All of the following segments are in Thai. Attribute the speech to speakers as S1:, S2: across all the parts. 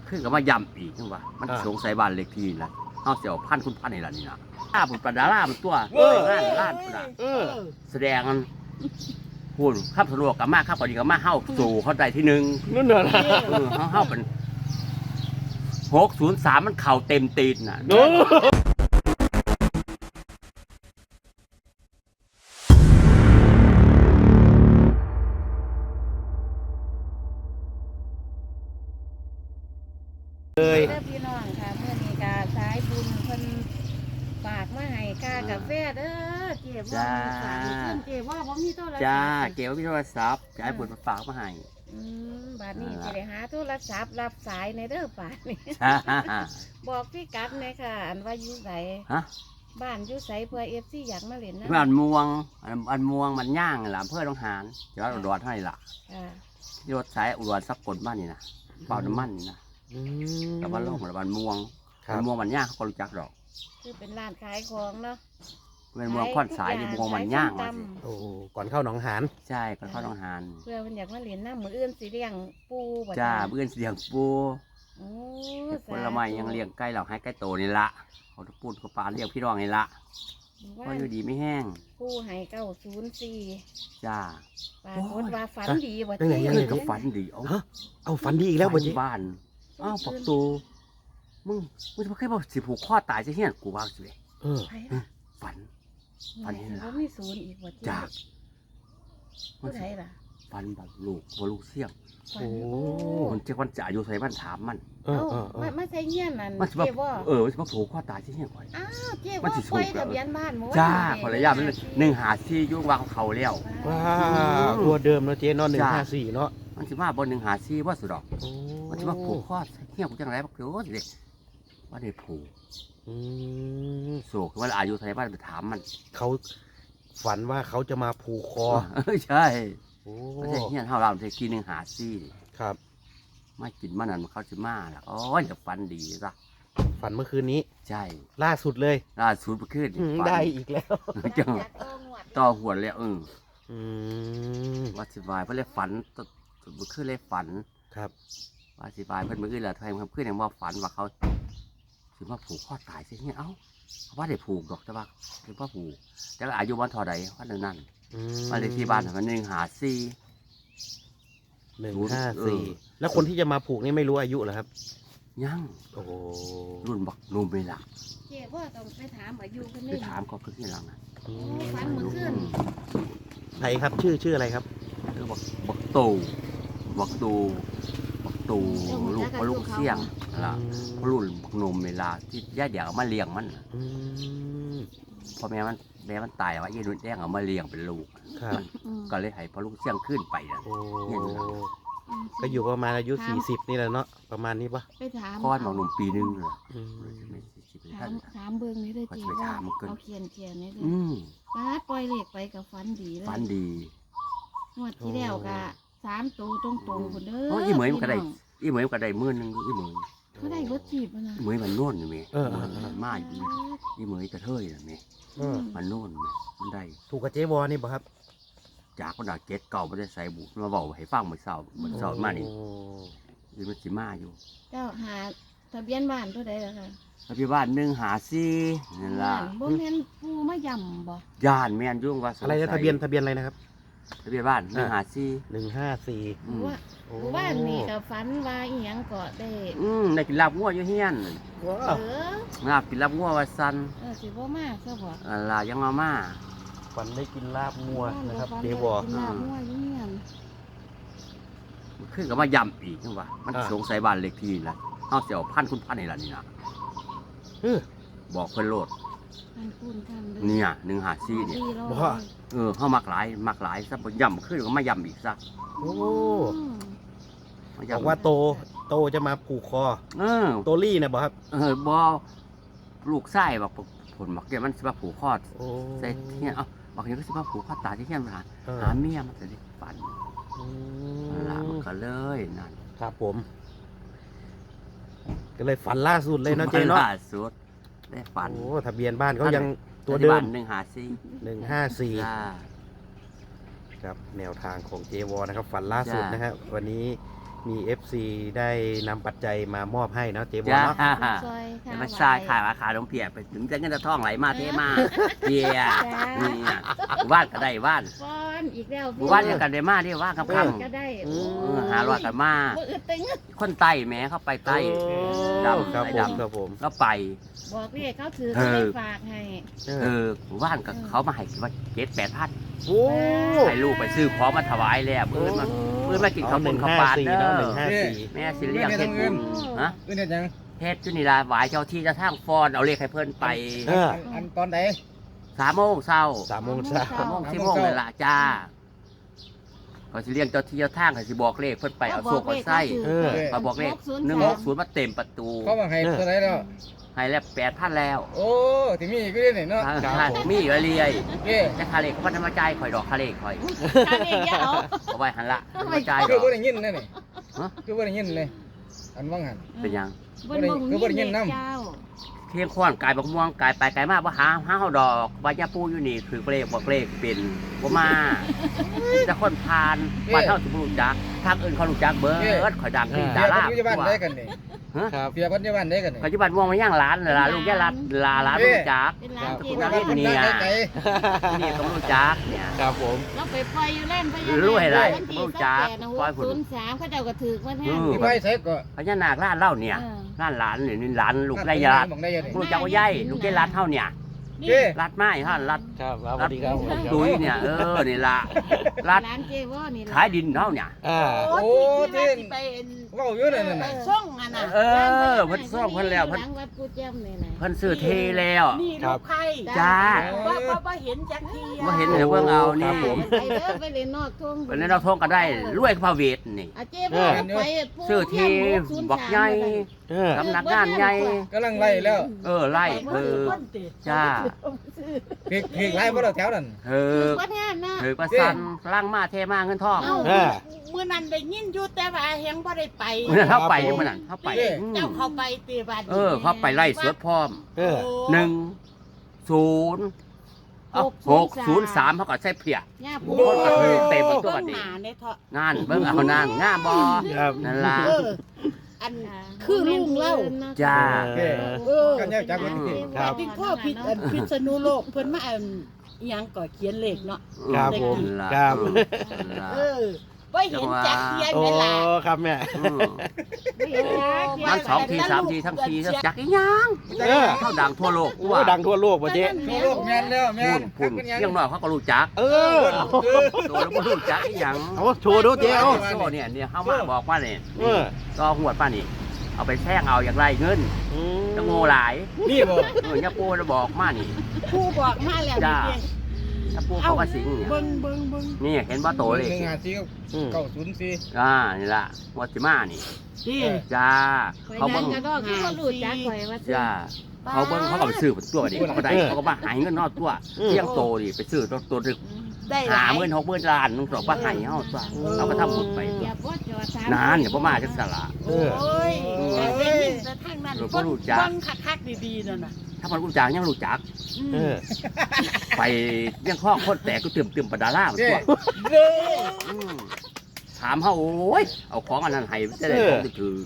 S1: ขึ้นก็มาย้ำอีกจังว่ามันสงสัยบ้านเลขที่ละเฮาสิเอาพันคุณพันนี่ล่ะนี่นะบุญปดารามันตัวล้านพุ่นน่ะแสดงกันพูดครับสะดวกกับมาครับพอดีกับมาเฮาสู่เข้าใจที่1
S2: นั่นน่ะ
S1: เฮาเป็น603มันเข่าเต็มตีนน่ะ
S3: เด้อพี่น้องค่ะเมื่อนี้กาสายบุญเพิ่นฝากมาให้กากาแฟเด้อเจ็บว่าฝากเพิ่นเจ็บว่าบ่มีโทรศัพท์
S1: จ้าเก็บไว้ที่โทรศัพท์จะให้บุญมาฝากมาให้
S3: บาดนี้สิได้หาโทรศัพท์รับสายในเด้อป่านนี้บอกพี่กัดแม่ค่ะอันว่าอยู่ไสบ้านอยู่ไสเพื่อ FC อยากมาเล่นนะ
S1: บ้านม่วงอันม่วงมันย่างล่ะอำเภอหนองหานจังหวัดอุดรให้ล่ะรถสายอุดรสักกลบ้านนี่นะเป่าน้ำมันนี่นะแต่ว่าโลกมันม่วงมันย่างเขาก็รู้จักดอก
S3: คือเป็นร้านขายของเนาะ
S1: เป็นม่วงค่อนสายม่วงมันย่าง
S2: โอ้ก่อนเข้าหนองหาน
S1: ใช่ก่อนเข้าหนองหาน
S3: เพื่อมันอยากมาเล่นน้ำมืออื่นสิเลี้ยงปู
S1: จ้ามื้ออื่นสิเลี้ยงปูผลไม้ยังเลี้ยงไก่เหล่าให้ไก่โตนี่ละเขาพูดกับปลาเลี้ยงพี่น้องนี่ละก็อยู่ดีไม่แห้ง
S3: ปูให้904
S1: จ้า
S3: ปรากฏว่าฝันดีบ่
S1: จ้าก็ฝันดี
S2: เอาฝันดีอีกแล้วบ่จี
S1: บ้านปักตูมึงจะเคยบอกสิผูกข้อตายจะเหี้ยกูว่าสิฝันเห็นละ
S3: มีศูนย์อีกบ่
S1: จาก
S3: ผู้ใดล่ะ
S1: ฝันแบบลูกเสี่ยงมันเจ้าวันจ่าอยู่ใส่บ้านถามมัน
S3: ไม่ใช่เงี้ยนั่นเจ๊ว่า
S1: มันจะมาผูกข้อตายที่เหี้ยก่อน
S3: อ้าวเจ๊ว่าปล่อยทะเบียนบ้านหมด
S1: จ้าภรรยามัน154ยุ่งวางเขาแล้ว
S2: ว้าตัวเดิมเนาะเจ๊เนาะ154เนาะ
S1: มันสิมาบน154ว่าสุดดอกมันสิมาผูกข้อเหี้ยกูจังไรบักเดี๋ยวสิว่าได้ผูกโศกว่าอายุใส่บ้านไปถามมัน
S2: เขาฝันว่าเขาจะมาผูกคอ
S1: ใช่ไม่ใช่เงี้ยเท่าเราใช้กิน154
S2: ครับ
S1: ไม่กินมันนั่นเขาจะมาล่ะอ๋อจะฝันดีซะ
S2: ฝันเมื่อคืนนี้
S1: ใช่
S2: ล่าสุดเลย
S1: ล่าสุดเมื่อคืน
S2: ได้อีกแล้ว
S1: จังต่อหัวแล้วว่าสิบายเพื่อเลยฝันเมื่อคืนเลยฝัน
S2: ครับ
S1: ว่าสิบายเพื่อนเมื่อคืนแหละทำเมื่อคืนยังว่าฝันว่าเขาถือว่าผูกข้อตายใช่ไหมเขาว่าได้ผูกดอกแต่ว่าถือว่าผูกแต่อายุวันเท่าไรว่านั่นมาเลยที่บ้านมัน
S2: 154แล้วคนที่จะมาผูกนี่ไม่รู้อายุเหรอครับ
S1: ยัง
S2: โอ้
S1: รุ่นบักนุ่มไปละ
S3: เจ๊ว่าต้องไปถามอายุกัน
S1: ไปถามก็คือที่หลังนะ
S3: ฝันเมื่อคืน
S2: ใครครับชื่ออะไรครับ
S1: บักตูลูกเสี่ยงล่ะรุ่นบักนุ่มเวลาที่ย่าเดี๋ยวมาเลี้ยงมันพอแม่มันตายว่ายี่นุ่นแดงเอามาเลี้ยงเป็นลูกก็เลยให้พอลูกเสี่ยงขึ้นไปนะ
S2: ก็อยู่ประมาณอายุ40นี่แหละเนาะประมาณนี้ปะ
S3: ไปถาม
S1: พ่อหมอหนุ่มปีนึงเลย
S3: ถามเบิ้งนี่เลยจีว่าเอาเขียนนี่เลยป้าปล่อยเล็กไปกับฝันดีเลย
S1: ฝันดี
S3: งวดที่แล้วก็3ตัวตรงคนเด้อ
S1: อีเหมยมันก็ได้10,000นึงอีเหมย
S3: เขาได้รถจีบนะ
S1: เหมยมันโน่นอยู่ไหมมาอีเหมยกระเทยนะไหมมันโน่นมันได้
S2: ถูกกับเจ๊วอนี่ป่ะครับ
S1: จากคนด่าเก็ตเก่าไม่ได้ใส่บุกมาบอกให้ฟังเหมือนเสามานี่คือมันสิมาอยู่
S3: เจ้าหาทะเบียนบ้านตัวใดล่ะคะ
S1: ทะเบียนบ้าน154นั่นล่ะ
S3: บ่แม่นผู้มาย่ำบ่
S1: ย่านแม่นยุ่งว่า
S2: อะไรนะทะเบียนอะไรนะครับ
S1: ทะเบียนบ้าน
S2: 154
S3: ว่านี่กับฝันว่าอีหยังก็
S1: ได้กินลาบงัวอยู่เฮียนลาบกินลาบงัวว่าซั่น
S3: สิบ่มาซะบ่
S1: ล่ะยังมา
S2: ฝันได้กินลาบงัวนะครับเดวอ
S1: ขึ้นก็มาย้ำอีกจังว่ามันสงสัยบ้านเลขที่ละเฮาสิเอาพันคุณพันนี่ล่ะนี่นะบอกเพิ่นโลดเนี่ย154เนี่ย
S2: บ่
S1: เฮามักหลายซะบ่ย้ำขึ้นก็มาย้ำอีกซะ
S2: โอ้บอกว่าโตจะมาผูกคอโตลี่นะบ่ครับ
S1: บ่ลูกไส้บอกผลบอกแกมันสิมาผูกคอใส่เนี่ยบอกอย่างนี้ก็สิมาผูกคอตาที่เฮียนมาหาเมียมันจะได้ฝันล่ะมันก็เลยนั่น
S2: ครับผมก็เลยฝันล่าสุดเลยนะเจ๊เนาะ
S1: ล่าสุดได้ฝัน
S2: โอ้ทะเบียนบ้านเขายังตัวเดิม
S1: 154
S2: ครับแนวทางของเจวอนะครับฝันล่าสุดนะฮะวันนี้มี FC ได้นำปัจจัยมามอบให้เนาะเจ๊บัว
S1: จ้า
S2: เนาะ
S3: ซอยค่ะ
S1: มาทรายขายราคาลงเปียกไปถึงจะเงินจะท่องไหลมาเทมาเปียนี่ว่านก็ได้ว่าน
S3: ฟ้อนอีกแล้ว
S1: ว่านยังกันได้มาที่ว่านคำ
S3: ก็ได้
S1: หาลอยกันมา
S3: บ่อึดตึง
S1: คนไต้แม้เข้าไปไต้ ดำ
S2: ครับ
S1: ไอ้
S2: ผม
S1: ดำ
S2: ครับผม
S1: แล้วไป
S3: บอกเรียกเขาถือเขาได้ฝากให้
S1: ว่านกับเขามาให้ว่า7-8,000
S2: โอ้
S1: ให้ลูกไปซื้อของมาถวายแล้วเพื่อนมากินข้าวปุ้นข้าวปลาเด้อ
S2: 154
S1: แม่สิเลี้ยงเฮ็ดบุญฮะ
S4: คือเนี่ยยัง
S1: เฮ็ดจุนี่ล่ะหวายเจ้าที่เจะทางฟอนเอาเลขให้เพิ่นไป
S4: อันตอนไหน
S1: 3 โมงเช้า
S2: 3 โมงเช้า
S1: 3 โมง4 โมงนั่นล่ะจ้าเขาสิเลี้ยงเจ้าที่เจ้าทางเขาสิบอกเลขเพิ่นไปเอาโซ่เอาไส้มาบอกเลข160มาเต็มประตู
S4: เขามาให้เท่าไหรแล้ว
S1: ให้แล้ว8,000แล้ว
S4: โอ้ที่มีก็ได้เนี่ยเนาะ
S1: มีอยู่เรื่อย
S4: เก้
S1: แต่ค่าเลขเขาบ่ทำมาจ่ายข่อยดอกค่าเลขข่อย
S3: ค่าเรียกยาเอา
S1: เอาไว้หั่นละทำมาจ่ายด
S4: คือ
S1: อก
S4: บ่ได้ยินนั่นนี่
S1: ฮะ
S4: คือบ่ได้ยินเลยอันว่างหัน
S1: เป็นหยัง
S3: บนบ่ได้ยินนำเจ้า
S1: เที่ยงค้อนกายบักม่วงกายไปกายมาบ่หาเฮาดอกว่ายาปูอยู่นี่ถือเลขบอกเลขเป็นบ่มาแต่คนผ่านบ้านเฮาสิบ่รู้จักทางอื่นเขารู้จักเบิดข่อยดังที่
S4: เปี
S1: ดาย
S4: ก
S1: รา
S4: ปัจจุบันได้กันนี่
S2: ครับ
S4: เปียกปัจจุบันได้กันนี่
S1: ปัจจุบันม่วงมาย่างร้านล่ะลูกย่าร้านร้านรู้จัก
S3: เป็นร้านเจ
S4: ปัจ
S3: ร้า
S4: จุ
S3: น
S4: บันได้ไกล
S1: นี่ต้องรู้จักเนี่ย
S2: ครับผม
S3: เราไปปล่อยอยู่เล่นพญานาค
S1: รู้ให้ไร
S3: วันที่
S1: รู้จัก
S3: 28นะ
S1: ปล่อยผล
S3: 603เขาเจ้าก็ถือมาแทน
S4: ที่ไปใส่ก็
S1: พญานาคร้านเล่าเนี่ยร้านหลานนี่ร้านลูกได้ยา
S4: บอกได้ยังนี่
S1: รู้จักว่าใหญ่ลูกได้ร้านเท่าเนี่ย
S4: เก้
S1: รัดไม้ฮะรัด
S2: ครับสวัสดีครับผม
S1: ตุ้ยเนี่ยนี่ละรัด
S3: ร้านเจว่านี่
S1: ขายดินเท่าเนี่ย
S4: โอ้ที่เว้าอยู่นั่นน่ะ
S3: ส่งอ่ะนะ
S1: เเพิ่นซ่อมเพิ่นแล้วเพิ่น
S3: หลังวัดกูแจ้มนี่นะ
S1: เพิ่นซื้อเทแล้ว
S5: นี่ลูกไข่
S1: จ้า
S5: ว่าเห็นจักที
S1: มาเห็นเดี๋ยวเบิ่งเอานี่
S3: ไปเด้อไปเล่นนอกทุ่ง
S1: เป็นในเราท่องก็ได้รวยพระเวทนี่
S3: อาเจ๊บ่ไปปู
S1: ซื้อทีบักใหญ่ สำนักงานใหญ่
S4: กำลังไล่แล้ว
S1: ไล่จ้า
S4: ผิดไล่บ่เราแถวนั้น
S3: วัดงานนะ
S1: ประสันล่างมาเทมาเงินทอง
S5: เมื่อนั้นได้ยินอยู่แต่ว่าเฮงบ่ได้ไป
S1: เมื่อเข้าไปมันนั่นเข้าไป
S5: เจ้าเข้าไปตีบาด
S1: เขาไปไล่สวดพร้อม 10603เขาก็ใช้เพีย
S3: ย่า
S1: ค
S3: ปู
S1: นก็คือเต็มตัวดิ
S5: หนาเนี่ยเถาะ
S1: งานเบิ่งเอานางงามบ่
S2: ครับ
S1: นั่นล่ะ
S5: อันคือลุงเล่า
S1: จ้า
S4: กันแยกจากกัน
S2: ครับ
S5: เป็นข้อพิษณุโลกเพิ่นมาอันอิหยังก่อเขียนเลขเนาะ
S2: ครับผม
S1: นั่นล่ะ
S2: ครับ
S5: ว่าเห็นจักเทียน
S2: โอ้
S5: เวลา
S2: ครับแม่
S1: มัน2 ที 3 ทีทั้งทีจักอีหยัง เท่าดังทั่วโลก
S2: โอ้ดังทั่วโลกว่ะเจ๊
S4: ทั่วโลกแม่นแล้วแม่น
S1: พุ่นเรื่องน้อยเขาก็รู้จัก ตัวแล้วบ่รู้จักอีหยัง
S2: เอาโชว์ดูเจ๊เอา
S1: โซ่เนี่ยเฮามาบอกว่านี่
S2: เออ
S1: ก็หวดป้านี่ เอาไปแท่งเอาอย่างไรเงินจะโง่หลาย
S4: นี่บ่
S1: ย่าปูจะบอกมานี่
S5: ผู้บอกมาแล้วนี่
S1: ย่าปูเขาก็สิงเนี่ย
S5: เบิ่ง
S1: นี่เห็นว่าโตเลย
S4: 154
S1: นี่ล่ะวัดสิมานี่
S5: นี่
S1: จ้า
S3: เขา
S1: เขา
S3: เบิ่
S1: เบิ่
S3: ง
S1: ง
S3: ก็คือเขารู้จักข่อยว่า
S1: จ้าเขาเบิ่งเขาก็ไปซื้อตัวนี่เขาก็ได้เขาก็มาหายเงินนอกตัวเที่ยงโตนี่ไปซื้อตัวดึก
S5: ได้หลาย
S1: 50,000 60,000 ล้านนึงสองว่าหายเฮาตัวเราก็ทำบุญไป
S3: อย่าบ่จอดถาม
S1: นานอย่าบ่มาจังซั่นล่ะ
S5: โอ้ยได้ยินแต่ทางนั้น
S1: เราก็รู้จัก
S5: เบิ่งคักๆดีๆนั่นน่ะ
S1: ถ้ามันรู้จักยังรู้จัก
S2: เออ
S1: ไปเรื่องข้อคนแตกก็เติมปะดาล่ามันตัวถามเขาโอ้ยเอาของอันนั้นให้จะได้ของถือ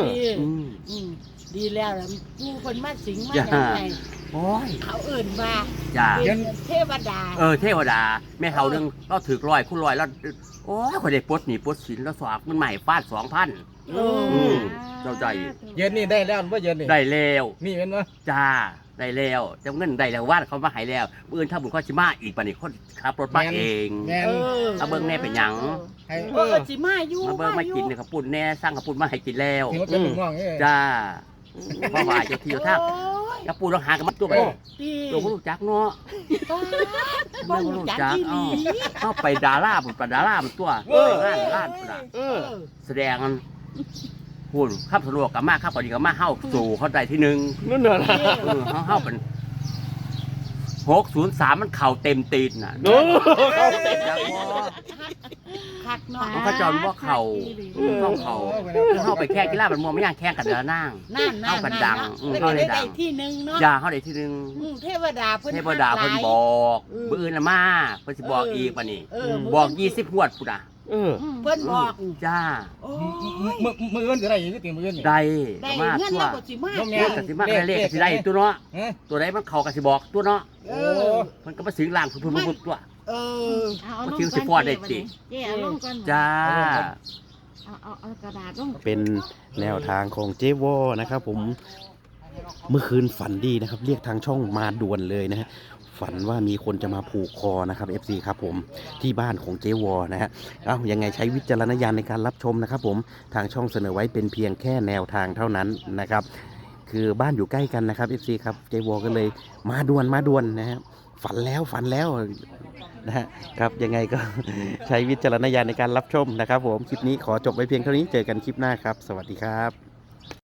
S5: ดีแล้วล่ะผู้คนมาสิงมาอย่างไร
S1: โอ้ย
S5: เขาเอื่นว่า
S1: จ้า
S5: เป็นเทวดา
S1: เทวดาแม่เท่านึงเราถือ100 คูณ 100แล้วโอ้ยคนได้ปลดหนีปลดสินแล้วสอบมันใหม่ฟาด 2,000 เจ้าใจ
S4: เย็นนี่ได้แล้วบ่เย็นนี่
S1: ได้แล้ว
S4: นี่แม่นบ่
S1: จ้าได้แล้วเจ้าเงินได้แล้ววาดเขามาให้แล้วปืนถ้าบุญข้อชิมาอีกปะนี่คนขับรถมาเอง
S4: แม่น
S1: เอาเบิ่งแน่เป็นหยัง
S4: ให้
S5: สิมาอยู่
S1: มาเบิ่งมากินเนี่ยขับปุ่นแน่สร้างขับปุ่นมาให้กินแล้ว
S4: ที่มันเป็นม่วงนี่
S1: จ้าเพราะว่าเจ้าที่เจ้าทางอย่าปูต้องหากันมาตัวไป
S5: ดี
S1: ตัวผู้รู้จักเนาะ
S5: บ้องจักที่ลี
S1: เข้าไปดาราผมปดารามันตัวล้านพุ่นน่ะ
S2: เออ
S1: แสดงกันหุ่นขับสะดวกกับมาขับพอดีกับมาเข้าสู่เขาได้ที่หนึ่ง
S2: นั่นเหรอ
S1: เข้าเป็น603มันเข่าเต็มตีนน่ะ
S2: โอ้
S1: เข้าเต็มจังบ่
S5: คักเนาะ
S1: มันก็จอนว่าเข่าต้องเข่าเข้าไปแข่งกีฬามันมัวไม่ย่างแข่งกันเดือนั่ง
S5: นั่น
S1: เข้ากันดัง
S5: แล้วก็ได้ที่หนึ่งเนาะ
S1: อย่าเข้าได้ที่หนึ่ง
S5: เทวดาเพิ่น
S1: เทพดาเพิ่นบอกมื้ออื่นน่ะมาเพิ่นสิบอกอีกปะนี่บอก20งวดพุ่นน่ะ
S5: เพิ่นบอก
S1: จ้า
S5: โอ้ย
S4: มือเงินก็ได้อีกติมือเงินนี่
S1: ได้
S5: ได้
S1: มา
S5: เงิน
S1: ตัว
S5: แล้วก็สิมา
S1: เลขก็สิมาได้เลขก็สิได้ตัวเนาะ
S4: ฮะ
S1: ตัวไหนมันเข้าก็สิบอกตัวเนาะ
S5: เอ
S4: โอ้
S5: อ
S1: มันก็มาสิงล่างพุ่นๆตัว
S5: เออ
S3: เอาลง
S1: มันถึงสิฟอดได้ติ
S3: เจ๊เอาลงก่อน
S1: จ้า
S3: เอากระดาษลง
S2: เป็นแนวทางของเจวอนะครับผมเมื่อคืนฝันดีนะครับ เรียกทางช่องมาด่วนเลยนะฮะฝันว่ามีคนจะมาผูกคอนะครับ FC ครับผมที่บ้านของเจวอนะฮะยังไงใช้วิจารณญาณในการรับชมนะครับผมทางช่องเสนอไว้เป็นเพียงแค่แนวทางเท่านั้นนะครับคือบ้านอยู่ใกล้กันนะครับ FC ครับเจวอก็เลยมาด่วนนะฮะฝันแล้วนะฮะครับยังไงก็ ใช้วิจารณญาณในการรับชมนะครับผมคลิปนี้ขอจบไว้เพียงเท่านี้เจอกันคลิปหน้าครับสวัสดีครับ